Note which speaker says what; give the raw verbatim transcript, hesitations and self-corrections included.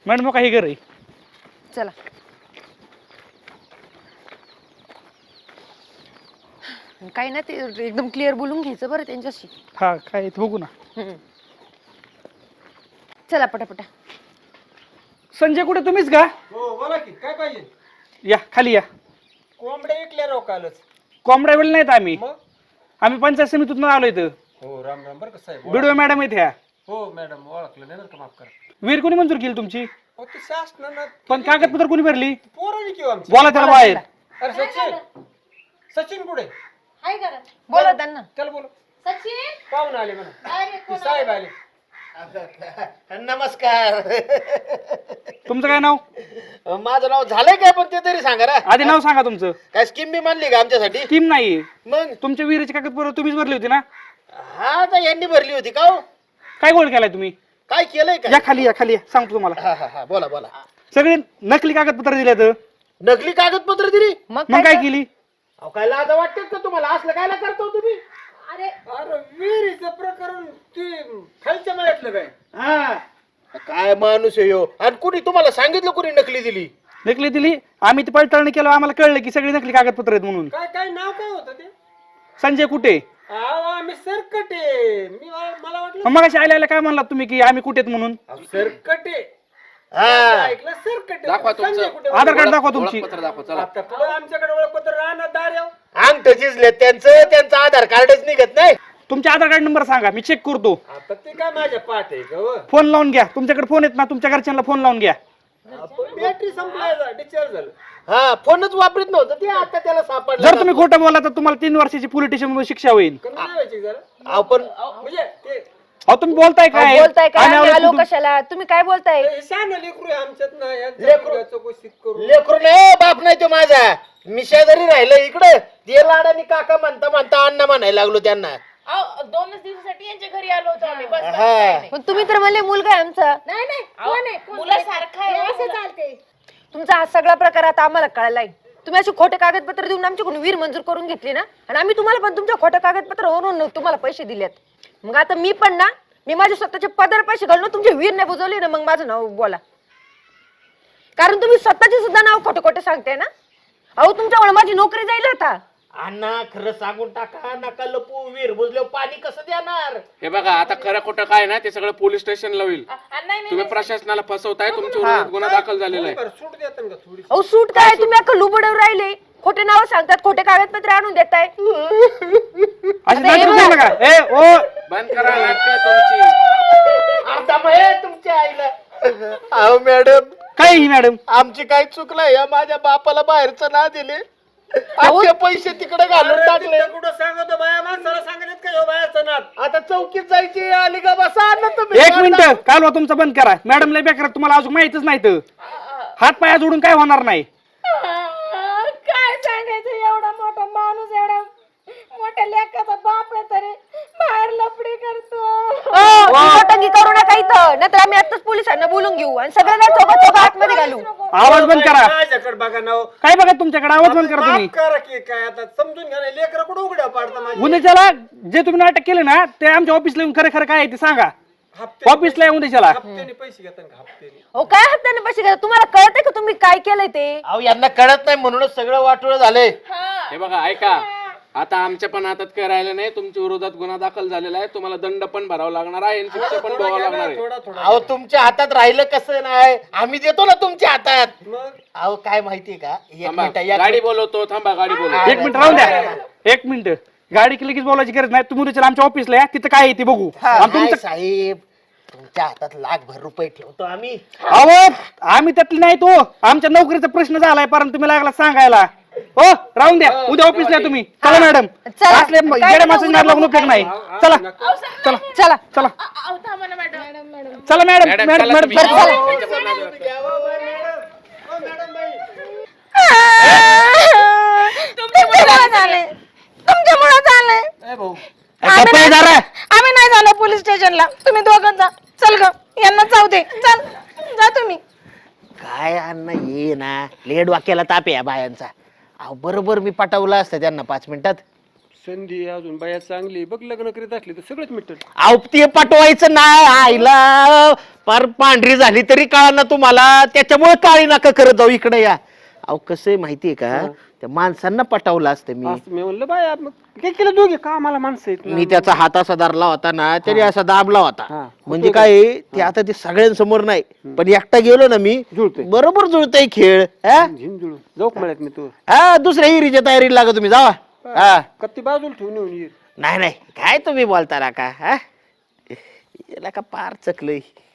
Speaker 1: Madam काही घर आहे.
Speaker 2: चला काही ना ते एकदम क्लिअर बोलून घ्यायचं बरं त्यांच्याशी.
Speaker 1: हा काय ते बघू ना.
Speaker 2: हम्म. चला पटापटा.
Speaker 1: संजय कुठे तुम्हीच का?
Speaker 3: हो बोला की काय पाहिजे.
Speaker 1: या खाली या.
Speaker 3: कोंबड्या विकल्या राव कालच.
Speaker 1: कोंबड्या वेळ नाहीत आम्ही
Speaker 3: मग
Speaker 1: आम्ही पंचायत समितीतून आलो इथं.
Speaker 3: हो राम राम बरं का साहेब.
Speaker 1: बिडवे मॅडम आहेत ह्या.
Speaker 3: हो मॅडम ओळखलं नाही का, माफ करा.
Speaker 1: वीर कोणी मंजूर केली तुमची?
Speaker 3: हो ते शासनानं
Speaker 1: पण कागदपत्र कोणी भरली?
Speaker 3: पोरांनी किंवा आमची.
Speaker 1: बोला त्याला बाहेर.
Speaker 3: अरे सचिन सचिन कुठे?
Speaker 4: हाय करा
Speaker 2: बोला त्यांना.
Speaker 3: त्याला बोल.
Speaker 4: सचिन
Speaker 3: पाहुणे आले म्हणा.
Speaker 4: अरे
Speaker 3: ते साहेब आले.
Speaker 5: नमस्कार.
Speaker 1: तुमचं काय नाव?
Speaker 5: माझं नाव झालंय काय पण ते तरी सांगा ना.
Speaker 1: आधी नाव सांगा तुमचं.
Speaker 5: काय स्कीम बी मानली का आमच्यासाठी?
Speaker 1: टीम नाही.
Speaker 5: मग
Speaker 1: तुमच्या विहिरीची कागदपत्र तुम्हीच भरली होती ना?
Speaker 5: हा तर यांनी भरली होती का हो?
Speaker 1: काय गोळ केलाय तुम्ही?
Speaker 5: काय केलंय
Speaker 1: या
Speaker 5: का?
Speaker 1: खाली या खाली या सांगतो तुम्हाला.
Speaker 5: हा हा हा बोला बोला.
Speaker 1: सगळे नकली कागदपत्र दिले तर
Speaker 5: नकली कागदपत्र दिली?
Speaker 2: मग
Speaker 1: मग काय
Speaker 2: कर-
Speaker 1: केली?
Speaker 5: अहो काय लाज वाटतात का तुम्हाला? असलं कायला करतो तुम्ही?
Speaker 4: अरे
Speaker 3: अरे विहिरीचं प्रकरण ते खालच्या माहितलं काय.
Speaker 5: हा काय माणूस आहे ह्यो? आणि कुणी तुम्हाला सांगितलं कुणी नकली दिली?
Speaker 1: नकली दिली. आम्ही ती पडताळणी केलं आम्हाला कळलं की सगळी नकली कागदपत्र आहेत म्हणून.
Speaker 3: काय काय नाव काय होतं ते?
Speaker 1: संजय कुठे?
Speaker 3: अहो आम्ही सरकटे. मी मला वाटलं
Speaker 1: मग अशी आल्या काय म्हणलात तुम्ही की आम्ही कुठे आहेत म्हणून?
Speaker 3: अहो, सरकटे.
Speaker 5: हा
Speaker 3: ऐकलं सरकटे.
Speaker 6: दाखवा
Speaker 3: संजय
Speaker 6: तुमचं.
Speaker 3: कुठे?
Speaker 1: आधार कार्ड दाखवा तुमची.
Speaker 6: ओळखपत्र दाखवा चला.
Speaker 3: आता पुढं आमच्याकडे ओळखपत्र राहणार दार याव.
Speaker 5: अंगठ झिजले त्यांचं, त्यांचं आधार कार्डच निघत नाही.
Speaker 1: तुमचे आधार कार्ड नंबर सांगा मी चेक करतो.
Speaker 3: आता ते काय माझ्या पाठ आहे का हो?
Speaker 1: फोन लावून घ्या. तुमच्याकडे फोन आहेत ना? तुमच्या घरच्यांना फोन लावून घ्या.
Speaker 3: बॅटरी संपलाय डिस्चार्ज झालं.
Speaker 5: हा फोनच वापरत नव्हतं ते, आता त्याला सापडलं.
Speaker 1: जर तुम्ही खोटं बोला तर तुम्हाला तीन वर्षाची पोलीस स्टेशन शिक्षा होईल.
Speaker 3: कमी नाही व्हायची जरा.
Speaker 5: अहो पण
Speaker 3: म्हणजे ते
Speaker 1: अहो तुम्ही बोलताय
Speaker 2: अहो,
Speaker 1: काय?
Speaker 2: बोलताय काय?
Speaker 1: आणि
Speaker 2: आम्ही
Speaker 1: आलो
Speaker 2: आलो
Speaker 1: कुठून?
Speaker 2: कशाला? तुम्ही काय बोलताय?
Speaker 3: हे शहाणं लेकरू आहे आमच्यात ना. यांच्या
Speaker 5: लेकरू.
Speaker 3: मुलाचं चौकशीत करू.
Speaker 5: लेकरू नाही बाप नाही तो माझा. मी शेजारी राहिलो इकडे. ते लाडानी काका म्हणता म्हणता अण्णा म्हणायला लागलो त्यांना.
Speaker 4: अहो, दोनच दिवसासाठी यांच्या घरी आलो होतो आम्ही बस बस,
Speaker 5: हा.
Speaker 4: काही नाही.
Speaker 2: पण तुम्ही तर म्हणले मुलगा आहे आमचा.
Speaker 4: नाही नाही कोण आहे कोण मुलासारखा आहे असं चालते.
Speaker 2: तुमचा हा सगळा प्रकार आता आम्हाला कळलाय. तुम्ही असे खोटे कागदपत्र देऊन आमच्याकडून वीर मंजूर करून घेतली ना, आणि आम्ही तुम्हाला पण तुमच्या खोट्या कागदपत्रावरून तुम्हाला पैसे दिलेत. मग आता मी पण ना, मी माझे स्वतःचे पदर पैसे घालून तुमचे वीर नाही बुजवले ना, मग माझं नाव बोला. कारण तुम्ही स्वतःचे सुद्धा नाव खोटे खोटे सांगताय ना. अहो तुमच्यामुळे माझी नोकरी जाईल आता.
Speaker 5: अण्णा खरं सांगून टाका, नका लपू. वीर बुजल्यावर पाणी कसं देणार?
Speaker 6: हे बघा आता खरं खोटं काय ना ते सगळं पोलीस स्टेशनला होईल.
Speaker 4: आ, नाही नाही
Speaker 6: तुम्ही प्रशासनाला फसवताय. तुमच्या विरोधात गुन्हा दाखल झालेला आहे.
Speaker 3: बरं, सूट देतात का थोडी?
Speaker 2: अहो सूट काय? तुम्ही अख्खं लुबडवर राहिले. खोटे नाव सांगतात, खोटे कागदपत्र आणून देताय.
Speaker 1: अशी
Speaker 2: आता हे
Speaker 1: नाटकं
Speaker 2: बघा.
Speaker 1: करू नका. ए ओ
Speaker 6: बंद करा नाटकं तुमची.
Speaker 5: आता मग हे तुमच्या आईला. अहो मॅडम
Speaker 1: काय ही मॅडम?
Speaker 5: आमची काय चुकलंय? या माझ्या बापाला बाहेरचं ना दिले, आमचे पैसे तिकडे घालून
Speaker 3: अरे,
Speaker 5: टाकले.
Speaker 3: तिथं कुठं सांगतो बाया माणसाला सांगण्यात का ह्यो बायाचं नाद?
Speaker 5: आता चौकीत जायची आली का बसा अण्णा तुम्ही.
Speaker 1: एक मिनिट कालवा तुमचा बंद करा. मॅडम लय बेकार तुम्हाला अजून माहितच नाही तर हात पाया जोडून काय होणार नाही.
Speaker 4: आ, काय सांगायचं एवढा मोठा माणूस एवढा मोठ्या लेकाचा बाप आहे तरी बाहेर लफडी करतो.
Speaker 2: टंगी करू नका इथं, नाहीतर आम्ही आताच पोलिसांना बोलून घेऊ आणि सगळ्यांना चौका चौका आतमध्ये घालू.
Speaker 1: आवाज बंद करा.
Speaker 3: माझ्याकडे बघा ना हो.
Speaker 1: काय बघा तुमच्याकडे आवाज बंद करा तुम्ही.
Speaker 3: माफ करा की काय आता समजून घ्या ना. लेकरं कुठं उघड्या पाडता माझी.
Speaker 1: उद्याच्याला जे तुम्ही नाटक केले ना ते आमच्या ऑफिसला येऊन खरं खरं काय आहे ते सांगा.
Speaker 3: हप्ते
Speaker 1: ऑफिसला येऊन उद्याच्याला.
Speaker 3: हप्त्याने पैसे घेतात का हप्त्याने?
Speaker 2: अहो काय हप्त्याने पैसे घ्या? तुम्हाला कळतंय का तुम्ही काय केलंय ते?
Speaker 5: अहो यांना कळत नाही म्हणूनच सगळं वाटोळं झालंय.
Speaker 6: हे बघा ऐका आता आमच्या पण हातात काय राहिलं नाही. तुमच्या विरोधात गुन्हा दाखल झालेला आहे. तुम्हाला दंड पण भरावा लागणार आहे आणि शिक्षा पण भरावा लागणार आहे.
Speaker 3: थोडा थोडा
Speaker 5: अहो तुमच्या हातात राहिलं कसं नाही? आम्ही देतो ना तुमच्या हातात.
Speaker 3: मग
Speaker 5: अहो काय माहितीये का? एक
Speaker 6: थांबा
Speaker 5: मिनिट या
Speaker 6: गाडी बोलवतो. थांबा गाडी बोलवतो.
Speaker 1: एक मिनिट राहून द्या. एक मिनिट गाडी की लगेच बोलायची गरज नाही. तुम्ही उद्याच्याला आमच्या ऑफिसला या, तिथं काय आहे ते बघू. आणि
Speaker 5: काय
Speaker 1: तुमचं
Speaker 5: साहेब तुमच्या हातात लाखभर रुपये ठेवतो आम्ही.
Speaker 1: अहो आम्ही त्यातली नाही तो. आमच्या नोकरीचा प्रश्न झालाय कारण तुम्ही लागला सांगायला. हो राहून द्या. उद्या ऑफिसला या तुम्ही. चला मॅडम.
Speaker 2: चला.
Speaker 1: असले
Speaker 2: काय
Speaker 1: येड्या
Speaker 2: नाही,
Speaker 1: माणसांनी
Speaker 2: उद्या
Speaker 1: लागून उपयोग नाही. चला चला
Speaker 2: चला
Speaker 1: चला
Speaker 4: अहो, थांबा ना मॅडम मॅडम मॅडम
Speaker 1: चला मॅडम
Speaker 6: मॅडम
Speaker 1: मॅडम
Speaker 6: चला
Speaker 1: मॅडम
Speaker 6: तुम्ही.
Speaker 1: बरं, चला.
Speaker 6: त्यांच्या पण नादी
Speaker 4: तुमच्यामुळे झाले तुमच्यामुळे झाले.
Speaker 3: ए भाऊ
Speaker 1: आता पै जरा.
Speaker 4: आम्ही नाही झालो पोलीस स्टेशनला. तुम्ही दोघं जा. चल ग यांना जाऊ दे. चल जा तुम्ही.
Speaker 5: काय अण्णा ये ना लेड वाक्याला ताप आहे या बायांचा. अहो बरोबर मी पटवलं असतं त्यांना पाच मिनिटात.
Speaker 3: संधी अजून बाया चांगली बघ, लग्न करीत असली तर सगळंच मिटल.
Speaker 5: अहो ते पटवायचं नाही आईला, पार पांढरी झाली तरी कळा ना तुम्हाला, त्याच्यामुळे काळी नाका करत जाऊ इकडे या. अहो कसं आहे माहितीये का, त्या माणसांना पटवलं असतं मी.
Speaker 3: असं मी म्हणलं बाया मग काय केलं दोघे का आम्हाला माणसं आहेत ना.
Speaker 5: मी त्याचा हात असा धरला होता ना, त्याने असा दाबला
Speaker 3: हा.
Speaker 5: होता. म्हणजे काय आहे, ते आता ते सगळ्यांसमोर नाही, पण एकटा गेलो ना मी,
Speaker 3: जुळतंय.
Speaker 5: बरोबर जुळतंय खेळ. हा?
Speaker 3: झिंजुळू जाऊ म्हणत मी तू
Speaker 5: हा, दुसऱ्या हिरीच्या तयारीला लागा तुम्ही, जावा. हा
Speaker 3: कत्ती बाजूला ठेवून येऊन ये.
Speaker 5: नाही नाही, काय तुम्ही बोलता ना का, हा याला का पार चकलंय.